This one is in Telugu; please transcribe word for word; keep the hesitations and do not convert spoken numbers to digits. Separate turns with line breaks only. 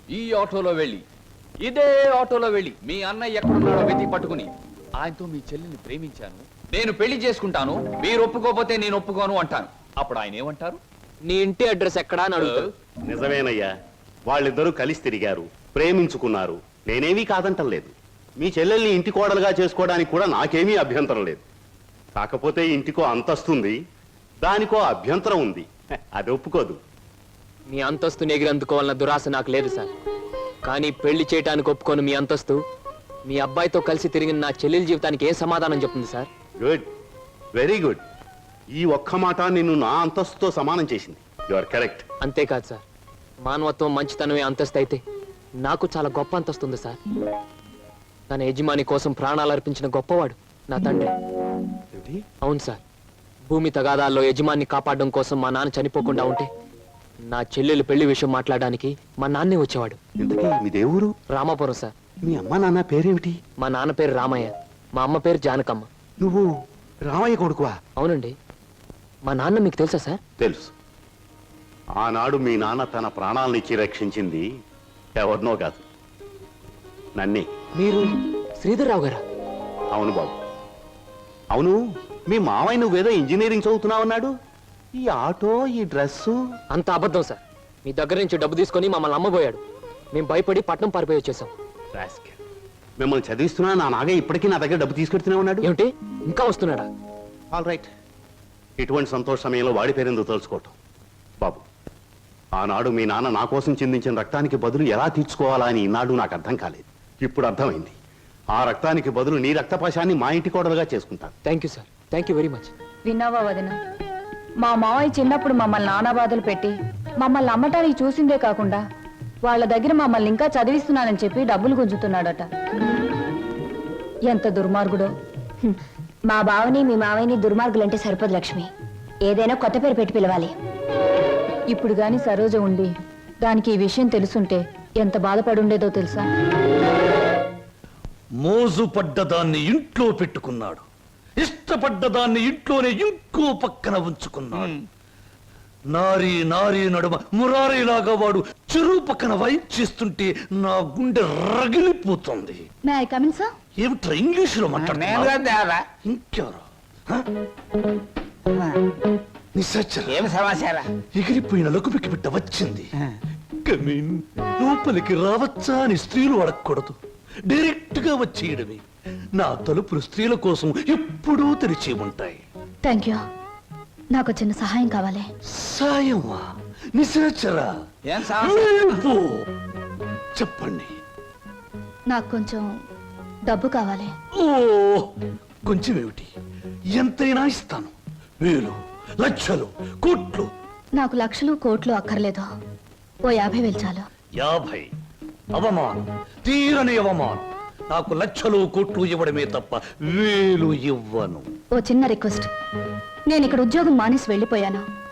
ఈ ఆటోలో వెళ్ళి ఇదే ఆటోలో వెళ్ళి మీ అన్నయ్య ఎక్కడున్నాడో వెతికి పట్టుకుని ఆయనతో మీ చెల్లిని ప్రేమించాను, నేను పెళ్లి చేసుకుంటాను, మీరు ఒప్పుకోకపోతే నేను ఒప్పుకోను అంటాను. అప్పుడు ఆయన ఏమంటారు?
నీ ఇంటి అడ్రస్ ఎక్కడా అని అడుగుతారు.
నిజమేనయ్యా, వాళ్ళిద్దరూ కలిసి తిరిగారు, ప్రేమించుకున్నారు. నేనేమీ కాదంటం లేదు. మీ చెల్లెల్ని ఇంటి కోడలుగా చేసుకోవడానికి కూడా నాకేమీ అభ్యంతరం లేదు. కాకపోతే ఇంటికో అంతస్తుంది, దానికో అభ్యంతరం ఉంది. అది ఒప్పుకోదు.
మీ అంతస్తుని ఎగిరందుకోవాలన్న దురాశ నాకు లేదు సార్. కానీ పెళ్లి చేయడానికి ఒప్పుకోను మీ అంతస్తు మీ అబ్బాయితో కలిసి తిరిగిన నా చెల్లెల జీవితానికి ఏ సమాధానం చెప్తుంది సార్?
Good, very good. ఈ ఒక్క మాట నిన్ను నా అంతస్తుతో సమానం చేసింది. You are correct.
అంతేకాదు సార్, మానవత్వం మంచితనమే అంతస్తు అయితే నాకు చాలా గొప్ప అంతస్తు ఉంది సార్. తన యజమాని కోసం ప్రాణాలు అర్పించిన గొప్పవాడు నా తండ్రి. అవును సార్, భూమి తగాదాల్లో యజమాన్ని కాపాడడం కోసం మా నాన్న చనిపోకుండా ఉంటే నా చెల్లెలు పెళ్లి విషయం మాట్లాడడానికి మా నాన్నే వచ్చేవాడు.
ఇంతకీ మీ దేవురు?
రామాపురం సార్.
మీ అమ్మ నాన్న పేరేమిటి?
మా నాన్న పేరు రామయ్య, మా అమ్మ పేరు జానకమ్మ.
నువ్వు రామయ్య కొడుకువా?
అవునండి. మా నాన్న మీకు తెలుసా సార్?
తెలుసు. ఆనాడు మీ నాన్న తన ప్రాణాలనిచ్చి రక్షించింది ఎవరినో కాదు, నన్నే.
మీరు శ్రీధర్రావు గారా?
అవును బాబు, అవును. మీ మావయ్య నువ్వేదో ఇంజనీరింగ్ చదువుతున్నావన్నాడు. ఈ ఆటో, ఈ డ్రెస్సు
అంత అబద్ధం సార్. మీ దగ్గర నుంచి డబ్బు తీసుకొని మమ్మల్ని అమ్మబోయాడు. మేము భయపడి పట్నం పారిపోయి వచ్చేసాం.
మిమ్మల్ని చదివిస్తున్నా నా నాగయ్య ఇప్పటికీ నా దగ్గర డబ్బు తీసుకెడుతూనే ఉన్నాడు.
ఏమిటి, ఇంకా వస్తున్నాడా?
All right. ఇటువంటి సంతోష సమయంలో వాడి పేరెందుకు తెలుసుకోవటం బాబు. ఆనాడు మీ నాన్న నా కోసం చిందించిన రక్తానికి బదులు ఎలా తీర్చుకోవాలా అని ఈనాడు నాకు అర్థం కాలేదు. ఇప్పుడు అర్థమైంది. ఆ రక్తానికి బదులు నీ రక్తపాశాన్ని మా ఇంటి కోడలుగా చేసుకుంటాను.
Thank you sir, thank you very much.
విన్నావా వదిన, మా మావయ్య చిన్నప్పుడు మమ్మల్ని నానా బాధలు పెట్టి మమ్మల్ని అమ్మటానికి చూసిందే కాకుండా వాళ్ళ దగ్గర మమ్మల్ని ఇంకా చదివిస్తున్నానని చెప్పి డబ్బులు గుంజుతున్నాడట. ఎంత దుర్మార్గుడో.
మా బావని మీ మావయ్యని దుర్మార్గులంటే సరిపోదు లక్ష్మి. ఏదైనా కొత్త పేరు పెట్టి పిలవాలి.
ఇప్పుడు గాని సరోజ ఉండి దానికి ఈ విషయం తెలుసుంటే ఎంత బాధపడుండేదో తెలుసా?
మోజు పడ్డదాన్ని ఇంట్లో పెట్టుకున్నాడు, ఇష్టపడ్డదాన్ని ఇంట్లోనే ఇంకో పక్కన ఉంచుకున్నాడు. నారీ నారీ నడుమ మురారీలాగా వాడు చెరువు పక్కన వైప్ చేస్తుంటే నా గుండె రగిలిపోతుంది. ఏమిట్రా ఇంగ్లీషులో మాట్లాడుతున్నా? ఇంకెవరు?
ఏం సమాచారం?
ఎగిరిపోయిన లకుపికి బిడ్డ వచ్చింది. కమీన్, లోపలికి రావచ్చా అని స్త్రీలు అడగకూడదు, డైరెక్ట్ గా వచ్చేయడమే. నా తలుపులు స్త్రీల కోసం ఎప్పుడూ తెరిచి ఉంటాయి.
Thank you. నాకు చిన్న సహాయం కావాలి.
సాయమా? నిశాచరా, చెప్పండి.
నాకు కొంచెం డబ్బు కావాలి.
ఓ, కొంచెం ఏమిటి, ఎంతైనా ఇస్తాను. వేలు, లక్షలు, కోట్లు.
నాకు లక్షలు కోట్లు అక్కర్లేదు. ఓ యాభై వేలు చాలు.
యాభై? అవమానం, తీరని అవమానం. నాకు లక్షలు కోట్లు ఇవ్వడమే తప్ప వేలు ఇవ్వను.
ఓ చిన్న రిక్వెస్ట్. నేను ఇక్కడ ఉద్యోగం మానేసి వెళ్ళిపోయాను.